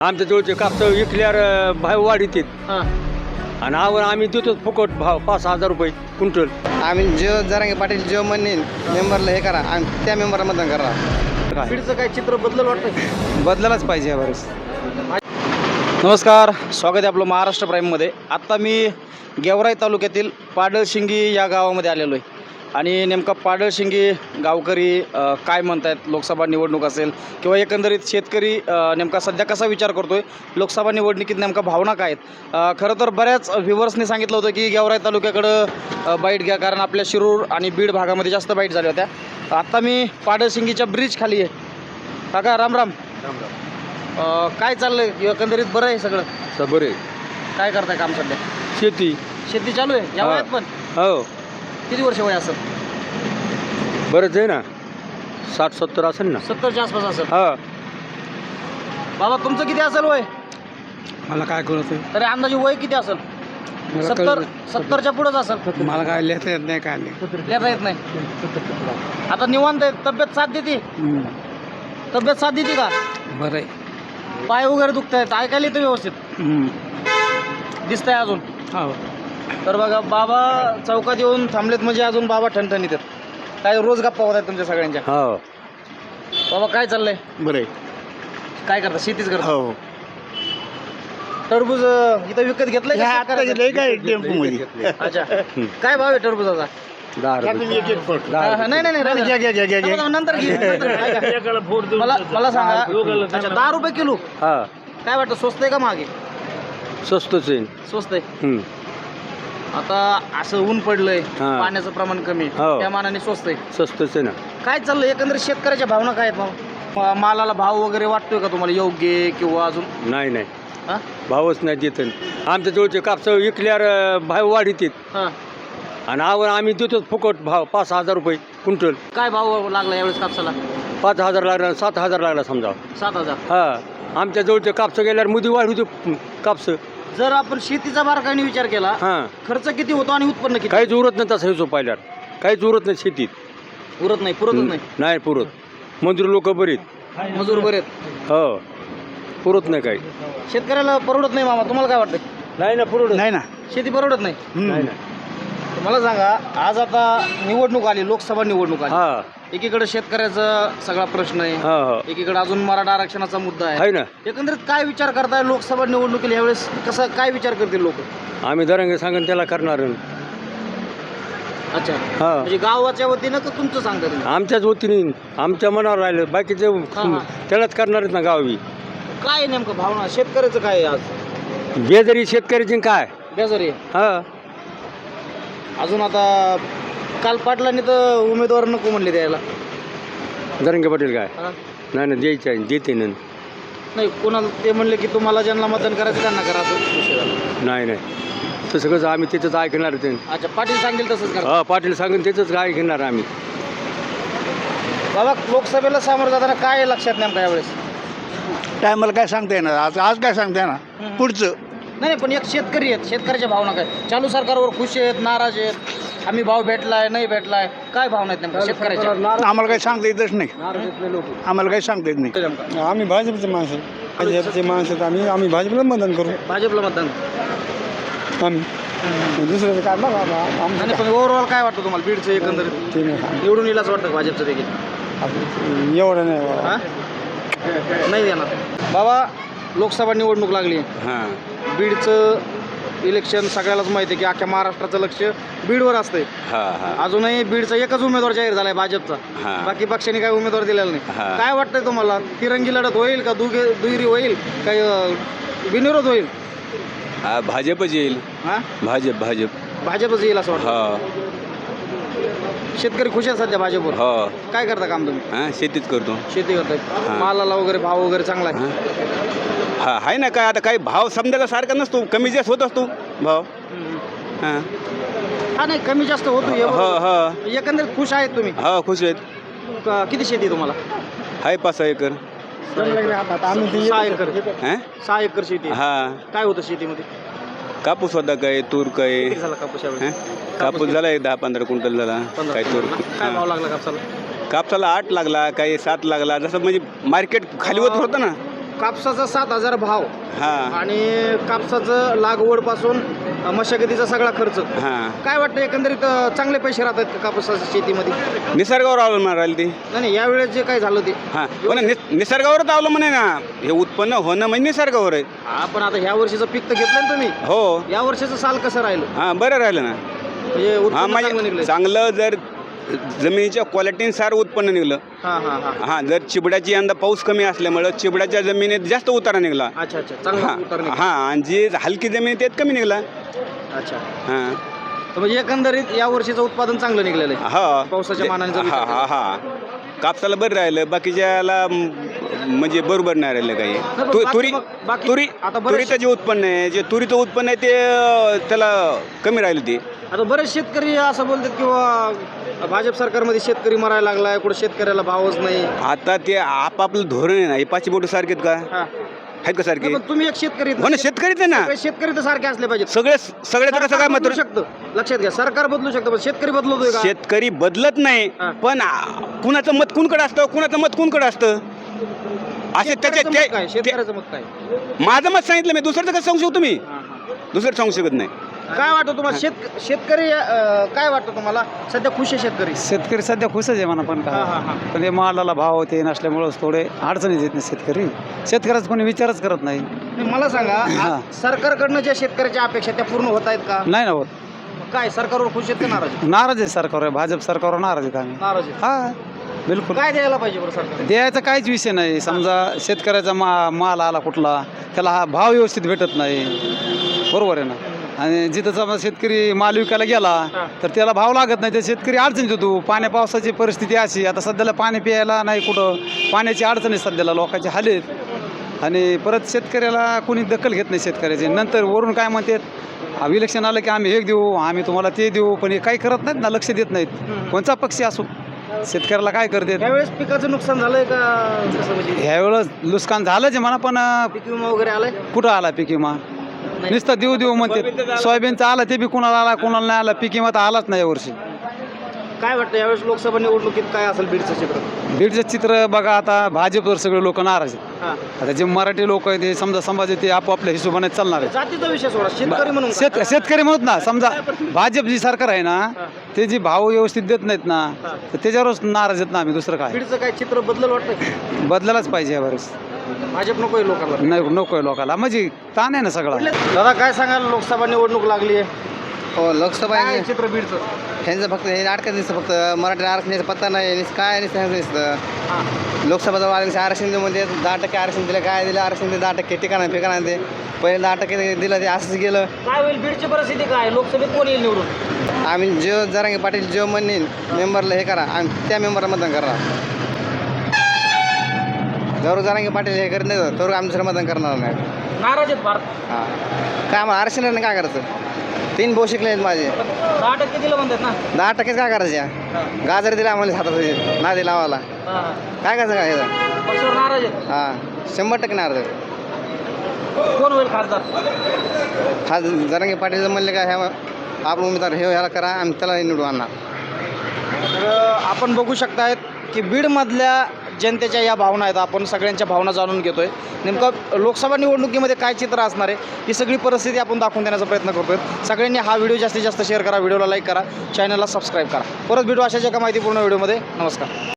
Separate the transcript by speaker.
Speaker 1: आमच्या जवळचे कापसा विकल्यावर भाव वाढीत
Speaker 2: हां
Speaker 1: आणि आम्ही देतो फुकट भाव 5,000 रुपये क्विंटल.
Speaker 3: आम्ही जो जरांगे पाटील जो म्हणेन मेंबरला हे करा आम्ही त्या मेंबरला मतदान करा.
Speaker 2: बीडचं काय चित्र बदललं वाटतं?
Speaker 3: बदलायलाच पाहिजे यावेळेस.
Speaker 2: नमस्कार, स्वागत आहे आपलं महाराष्ट्र प्राईममध्ये. आत्ता मी गेवराई तालुक्यातील पाडळशिंगी या गावामध्ये आलेलो आहे आणि नेमका पाडळशिंगी गावकरी काय म्हणत आहेत, लोकसभा निवडणूक असेल किंवा एकंदरीत शेतकरी नेमका सध्या कसा विचार करतो आहे, लोकसभा निवडणुकीत नेमका भावना काय आहेत. खरं तर बऱ्याच व्ह्युअर्सनी सांगितलं होतं की गेवराई तालुक्याकडं बाईट घ्या, कारण आपल्या शिरूर आणि बीड भागामध्ये जास्त बाईट झाल्या होत्या. आत्ता मी पाडळशिंगीच्या ब्रिज खाली आहे. काका राम राम. काय चाललंय, एकंदरीत बरं आहे सगळं?
Speaker 1: बरे
Speaker 2: काय करताय काम सध्या?
Speaker 1: शेती.
Speaker 2: शेती चालू आहे या वयात पण?
Speaker 1: हो,
Speaker 2: किती वर्ष वय असेल?
Speaker 1: बरंच आहे ना, 60-70 असेल ना.
Speaker 2: 70च्या आसपास असेल.
Speaker 1: हा,
Speaker 2: बाबा तुमचं किती असेल वय?
Speaker 3: मला काय कळत
Speaker 2: तरी अंदाजे वय किती असेल? 70च्या पुढेच असेल.
Speaker 3: मला काय लिहिता येत नाही काय नाही.
Speaker 2: लिहिता येत नाही. आता निवांत आहे, तब्येत साथ देते? तब्येत साथ देते का?
Speaker 3: बरं आहे.
Speaker 2: पाय वगैरे दुखत आहेत, ऐकायला येतं व्यवस्थित? दिसतंय अजून?
Speaker 3: हो.
Speaker 2: तर बघा, बाबा चौकात येऊन थांबलेत म्हणजे अजून बाबा ठणठणीत आहेत. काय रोज गप्पा होत आहेत तुमच्या सगळ्यांच्या?
Speaker 1: हो.
Speaker 2: बाबा काय चाललंय?
Speaker 3: बरं आहे.
Speaker 2: काय करता? शेतीच करता?
Speaker 3: हो.
Speaker 2: टरबूज इथं विकत घेतलंय का शेतकऱ्याचं?
Speaker 3: काय टेम्पो मध्ये.
Speaker 2: अच्छा, काय भाव आहे टरबुजाचा?
Speaker 1: 10 रुपये.
Speaker 2: नाही नाही नाही, नंतर घे, नंतर घे. मला सांगा, अच्छा 10 रुपये किलो.
Speaker 1: हा,
Speaker 2: काय वाटतं, स्वस्त आहे का महाग आहे?
Speaker 1: स्वस्तच आहे.
Speaker 2: स्वस्त आहे. आता असं ऊन पडलंय,
Speaker 1: हा.
Speaker 2: पाण्याचं प्रमाण कमी,
Speaker 1: हो.
Speaker 2: त्या मानाने स्वस्त आहे.
Speaker 1: स्वस्तच आहे ना.
Speaker 2: काय चाललंय एकंदरीत शेतकऱ्याच्या भावना काय आहेत मग? मालाला भाव वगैरे वाटतोय का तुम्हाला योग्य किंवा अजून?
Speaker 1: नाही नाही,
Speaker 2: हा?
Speaker 1: भावच नाही देत. आमच्या जवळचे कापसा विकल्यावर भाव वाढीत
Speaker 2: हा.
Speaker 1: आणि आम्ही देतो फुकट भाव 5,000 रुपये क्विंटल.
Speaker 2: काय भाव लागला यावेळेस कापसाला?
Speaker 1: 5,000 लागला, 7,000 लागला समजा.
Speaker 2: 7,000.
Speaker 1: हा, आमच्या जवळचे कापसं गेल्यावर मुदी वाढ होती कापसं.
Speaker 2: जर आपण शेतीचा बारकाईने विचार केला,
Speaker 1: हां,
Speaker 2: खर्च किती होतो आणि उत्पन्न किती?
Speaker 1: काहीच उरत नाही तसं हिशोब पाहिल्यावर. काहीच उरत नाही शेतीत.
Speaker 2: उरत नाही, पुरतच नाही.
Speaker 1: नाही पुरत. मजूर लोक बरीत.
Speaker 2: मजूर बरे आहेत.
Speaker 1: हो, पुरत नाही काही.
Speaker 2: शेतकऱ्याला परवडत नाही मामा, तुम्हाला काय वाटतं?
Speaker 1: नाही ना, पुरत
Speaker 3: नाही ना.
Speaker 2: शेती परवडत नाही.
Speaker 1: नाही ना.
Speaker 2: मला सांगा, आज आता निवडणूक आली, लोकसभा निवडणूक आली.
Speaker 1: हा,
Speaker 2: एकीकडे शेतकऱ्याचा सगळा प्रश्न आहे,
Speaker 1: हा, हा,
Speaker 2: एकीकडे अजून मराठा आरक्षणाचा मुद्दा आहे.
Speaker 1: आहे ना.
Speaker 2: एकंदरीत काय विचार करताय लोकसभा निवडणुकीला यावेळेस? कसं काय विचार करतील लोक?
Speaker 1: आम्ही दरंगे सांगून त्याला करणार.
Speaker 2: अच्छा,
Speaker 1: हा,
Speaker 2: म्हणजे गावाच्या वतीनं का तुमचं सांगता तुम्ही?
Speaker 1: आमच्याच वतीने, आमच्या मनावर राहिलं, बाकीचे
Speaker 2: हा.
Speaker 1: त्यालाच करणार आहेत ना गावी.
Speaker 2: काय आहे नेमकं भावना शेतकऱ्याचं काय आहे आज?
Speaker 1: बेजरी शेतकऱ्याची काय.
Speaker 2: बेजारी आहे.
Speaker 1: हा,
Speaker 2: अजून आता काल पाटलांनी तर उमेदवार नको म्हणले द्यायला.
Speaker 1: दरंगे पाटील काय.
Speaker 2: हा?
Speaker 1: नाही ना, द्यायचं आहे, देते ना.
Speaker 2: नाही, कोणाला ते म्हणले की तुम्हाला ज्यांना मतदान करायचं त्यांना करा, असं विषय झाला.
Speaker 1: नाही नाही, तसं कसं आम्ही तिथंच ऐकणार ते.
Speaker 2: अच्छा, पाटील सांगेल तसंच करा.
Speaker 1: हा, पाटील सांगून तिथंच ऐकणार आम्ही.
Speaker 2: बाबा लोकसभेला सामोरं जाताना काय आहे लक्षात नेमका यावेळेस?
Speaker 3: टायमाला काय सांगता येणार. आज काय सांगता येणार पुढचं.
Speaker 2: नाही पण एक शेतकरी आहेत, शेतकऱ्याच्या भावना काय? चालू सरकारवर खुश आहेत, नाराज आहेत, आम्ही भाव भेटलाय नाही भेटलाय, काय भावना आहेत नेमका शेतकऱ्याच्या?
Speaker 3: आम्हाला काही सांगता येतच नाही. आम्हाला काही सांगता येत नाही.
Speaker 2: नेमका
Speaker 4: आम्ही भाजपचे माणसं, भाजपचे माणसं आम्ही भाजपला मतदान करू.
Speaker 2: भाजपला मतदान.
Speaker 4: आम्ही दुसऱ्याचं काय बघा
Speaker 2: आणि पण ओव्हरऑल काय वाटतं तुम्हाला बीडचं एकंदरीत?
Speaker 4: ते
Speaker 2: निवडून येईलच वाटतं का भाजपचं देखील?
Speaker 4: नाही एवढं नाही बाबा.
Speaker 2: हा? नाही देणार. बाबा लोकसभा निवडणूक लागली,
Speaker 1: हां,
Speaker 2: बीडचं इलेक्शन सगळ्यालाच माहिती आहे की अख्ख्या महाराष्ट्राचं लक्ष बीडवर असतंय.
Speaker 1: हां, हां,
Speaker 2: अजून बीडचा एकच उमेदवार जाहीर झालाय भाजपचा,
Speaker 1: हां.
Speaker 2: बाकी पक्षांनी काही उमेदवार दिलेला नाही.
Speaker 1: हां.
Speaker 2: काय वाटतंय तुम्हाला, तिरंगी लढत होईल का दुहेरी होईल, काही बिनविरोध होईल?
Speaker 5: हा, भाजपच येईल.
Speaker 2: हा,
Speaker 5: भाजप
Speaker 2: भाजपच येईल असं वाटतं.
Speaker 5: हो
Speaker 2: शेतकरी खुश आहे सध्या भाजपवर.
Speaker 5: हो.
Speaker 2: काय करता काम तुम्ही?
Speaker 5: हा, शेतीच करतो.
Speaker 2: शेती करताय.
Speaker 5: हां.
Speaker 2: मालाला वगैरे भाव वगैरे चांगला आहे?
Speaker 5: हा, आहे ना. काय आता काही भाव समजायला सारखा नसतो, कमी जास्त होत असतो भाव. हां,
Speaker 2: हा, नाही कमी जास्त होतो हे
Speaker 5: हो
Speaker 2: बरोबर.
Speaker 5: हो
Speaker 2: एकंदरीत खुश आहेत तुम्ही?
Speaker 5: हो, खुश आहेत.
Speaker 2: किती शेती आहे तुम्हाला?
Speaker 5: आहे 5-6 एकर.
Speaker 2: 6 एकर.
Speaker 5: हां,
Speaker 2: 6 एकर शेती आहे.
Speaker 5: हा,
Speaker 2: काय होतं शेतीमध्ये?
Speaker 5: कापूस होता काय, तूर काय.
Speaker 2: किती झाला कापूस यावेळी?
Speaker 5: हां, कापूस झाला एक 10-15 क्विंटल झाला.
Speaker 2: 15.
Speaker 5: काय तूर.
Speaker 2: काय भाव
Speaker 5: हां.
Speaker 2: लागला कापसाला?
Speaker 5: कापसाला 8 लागला, काही 7 लागला, जसं म्हणजे मार्केट खाली होत होतं ना.
Speaker 2: कापसाचा 7,000 भाव
Speaker 5: हां
Speaker 2: आणि कापसाचं लागवडपासून मशागतीचा सगळा खर्च,
Speaker 5: हां
Speaker 2: काय वाटतं एकंदरीत चांगले पैसे राहतात का कापसाच्या शेतीमध्ये?
Speaker 5: निसर्गावर अवलंबून राहिली ती.
Speaker 2: नाही यावेळेस जे काय झालं ते
Speaker 5: हां पण निसर्गावरच अवलंबून आहे ना, हे उत्पन्न होणं म्हणजे निसर्गावर आहे.
Speaker 2: आपण आता ह्या वर्षीचं पीक तर घेतलं ना तुम्ही,
Speaker 5: हो
Speaker 2: या वर्षीचं साल कसं राहिलं
Speaker 5: हां बरं राहिलं ना.
Speaker 2: म्हणजे
Speaker 5: हां
Speaker 2: उत्पन्न चांगलं
Speaker 5: म्हणजे
Speaker 2: निघलं?
Speaker 5: चांगलं जर जमिनीच्या क्वालिटीनुसार उत्पन्न निघलं.
Speaker 2: हां हां हां
Speaker 5: हां जर चिबड्याची यंदा पाऊस कमी असल्यामुळं चिबड्याच्या जमिनीत जास्त उतारा निघाला.
Speaker 2: अच्छा अच्छा चांगला
Speaker 5: हां
Speaker 2: उतार निघाला.
Speaker 5: हां आणि जी हलकी जमीन त्यात कमी निघाला.
Speaker 2: अच्छा
Speaker 5: हां
Speaker 2: तर म्हणजे एकंदरीत या वर्षीचं उत्पादन चांगलं निघलेलं आहे
Speaker 5: हा
Speaker 2: पावसाच्या मानाने जर विचार
Speaker 5: हा हा कापसाला बरं राहिलं, बाकीच्याला म्हणजे बरोबर नाही राहिलं काही.
Speaker 2: पण बाकी मग- बाकी आता बरेच-
Speaker 5: तुरीचं जे उत्पन्न आहे, जे तुरीचं उत्पन्न आहे ते त्याला कमी राहिलं ते.
Speaker 2: आता बरेच शेतकरी असं बोलतात किंवा भाजप सरकारमध्ये शेतकरी मरायला लागलाय, कुठं शेतकऱ्याला भावच नाही.
Speaker 5: आता ते आपापलं धोरण आहे ना, हे पाचशे बोट सारखेत का,
Speaker 2: हां.
Speaker 5: आहेत का सारखे?
Speaker 2: नाही, पण तुम्ही एक शेतकरी
Speaker 5: हो ना, शेतकरीच आहे ना.
Speaker 2: सगळे शेतकरी तर सारखे असले पाहिजेत.
Speaker 5: सगळ्याचं कसं काय
Speaker 2: सरकार
Speaker 5: मत?
Speaker 2: बदलू शकतं, लक्षात घ्या, सरकार बदलू शकतं पण शेतकरी बदलतोय का?
Speaker 5: शेतकरी बदलत नाही,
Speaker 2: हां.
Speaker 5: पण कुणाचं मत कुणकडे असतं, कुणाचं मत कुणकडे असतं असे त्याचे
Speaker 2: शेतकऱ्याचं मत काय? शेतकऱ्याचं मत काय?
Speaker 5: माझं मत सांगितलं मी, दुसऱ्याचं कसं सांगू शकतो तुम्ही?
Speaker 2: हां, हां.
Speaker 5: दुसरं सांगू शकत नाही.
Speaker 2: काय वाटतं तुम्हाला शेतकरी काय वाटतं तुम्हाला सध्या खुश आहे शेतकरी?
Speaker 4: शेतकरी सध्या खुशच आहे म्हणा, पण
Speaker 2: हां, हां, हां.
Speaker 4: पण हे मालाला भाव ते नसल्यामुळंच थोडे अडचणीत येत नाही शेतकरी. शेतकऱ्याचं कोणी विचारच करत नाही.
Speaker 2: नाही, मला सांगा
Speaker 4: हां.
Speaker 2: सरकारकडनं ज्या शेतकऱ्याच्या अपेक्षा त्या पूर्ण होत आहेत का?
Speaker 4: नाही ना होत.
Speaker 2: काय सरकारवर खुश आहेत का नाराज आहेत?
Speaker 4: नाराज आहे सरकारवर, भाजप सरकारवर नाराज आहेत आम्ही.
Speaker 2: नाराज आहेत.
Speaker 4: हा बिलकुल.
Speaker 2: काय द्यायला पाहिजे बरं सरकार?
Speaker 4: द्यायचा काहीच विषय नाही. समजा शेतकऱ्याचा माल आला कुठला, त्याला हा भाव व्यवस्थित भेटत नाही, बरोबर आहे ना. आणि जिथं समजा शेतकरी माल विकायला गेला तर त्याला भाव लागत नाही, तर शेतकरी अडचणीत होतो. पाण्या पावसाची परिस्थिती अशी, आता सध्याला पाणी प्यायला नाही, कुठं पाण्याची अडचण आहे सध्याला, लोकांचे हाल आहेत. आणि परत शेतकऱ्याला कोणी दखल घेत नाही शेतकऱ्याचे. नंतर वरून काय म्हणतात, इलेक्शन आलं की आम्ही हे देऊ, आम्ही तुम्हाला ते देऊ, पण हे काही करत नाहीत ना, लक्ष देत नाहीत. कोणता पक्षी असो, शेतकऱ्याला काय करतात.
Speaker 2: त्यावेळेस पिकाचं नुकसान झालंय का? कसं म्हणजे
Speaker 4: ह्यावेळेस नुकसान झालंच आहे म्हणा, पण
Speaker 2: पीक विमा वगैरे आलाय?
Speaker 4: कुठं आला पीक विमा? नुसतं देऊ म्हणते. सोयाबीनचा आला ते बी कुणाला आला, कुणाला नाही आला. पीक विमा तर आलाच नाही यावर्षी.
Speaker 2: काय वाटतं यावेळेस लोकसभा निवडणुकीत काय असेल बीडचं चित्र?
Speaker 4: बीडचं चित्र बघा, आता भाजपवर सगळे लोक नाराज आहेत.
Speaker 2: हां.
Speaker 4: आता जे मराठी लोक आहेत, ते समजा समाज आहे, ते आपापल्या हिशोबाने चालणार आहे.
Speaker 2: जातीचा विषय सोडा, शेतकरी म्हणून
Speaker 4: शेतकरी म्हणत ना, समजा भाजप जी सरकार आहे ना, ते जी भाव व्यवस्थित देत नाहीत ना, तर त्याच्यावरच नाराज आहेत ना आम्ही. दुसरं काय
Speaker 2: बीडचं काय चित्र बदलल वाटतं?
Speaker 4: बदलायलाच पाहिजे यावेळेस.
Speaker 2: भाजप नको आहे लोकांना.
Speaker 4: नाही, नको आहे लोकांना, म्हणजे ताण आहे ना सगळा.
Speaker 2: दादा काय सांगाल, लोकसभा निवडणूक लागली आहे,
Speaker 3: हो लोकसभा
Speaker 2: काय
Speaker 3: आहे.
Speaker 2: चित्र बीडचं?
Speaker 3: ह्यांचं फक्त हे अडकत दिसतं, फक्त मराठी आरक्षणाचा पत्ता नाही, काय ह्यांचं दिसतं.
Speaker 2: हां.
Speaker 3: लोकसभा जवळ आले की आरक्षण म्हणजे 10% आरक्षण दिलं, काय दिलं आरक्षण ते 10% ठिकाणा फिकाणा ते पहिले 10% दिलं, ते असंच गेलं.
Speaker 2: काय होईल बीडची परिस्थिती, काय लोकसभेत कोण येईल निवडून?
Speaker 3: आम्ही जो जरांगे पाटील जो म्हणेन मेंबरला हे करा, आम्ही त्या मेंबरला मतदान करा. जरूर जरांगे पाटील हे करत नाही तर आम्ही दुसरं मतदान करणार नाही.
Speaker 2: नाराज आहेत भारत.
Speaker 3: हां काय आम्हाला आरक्षण काय करायचं? 3 भाऊ शिकले आहेत माझे,
Speaker 2: 10% दिलं म्हणतात ना.
Speaker 3: 10% काय करायच्या? गाजर दिला आम्हाला हातात नादी लावायला,
Speaker 2: हां.
Speaker 3: काय करायचं काय
Speaker 2: पक्षावर नाराज आहेत.
Speaker 3: हां 100% नाराज.
Speaker 2: कोण होईल खासदार?
Speaker 3: हा जरांगे पाटील म्हणले का ह्या आपण उमेदवार हे ह्याला करा, आम्ही त्याला निवडून आणणार.
Speaker 2: तर आपण बघू शकतायत की बीडमधल्या जनतेच्या या भावना आहेत. आपण सगळ्यांच्या भावना जाणून घेतोय. नेमकं लोकसभा निवडणुकीमध्ये काय चित्र असणार आहे ही सगळी परिस्थिती आपण दाखवून देण्याचा प्रयत्न करतोय. सगळ्यांनी हा व्हिडिओ जास्तीत जास्त शेअर करा, व्हिडिओला लाईक करा, चॅनलला सबस्क्राईब करा. परत भेटू अशाच एका माहितीपूर्ण व्हिडिओमध्ये. नमस्कार.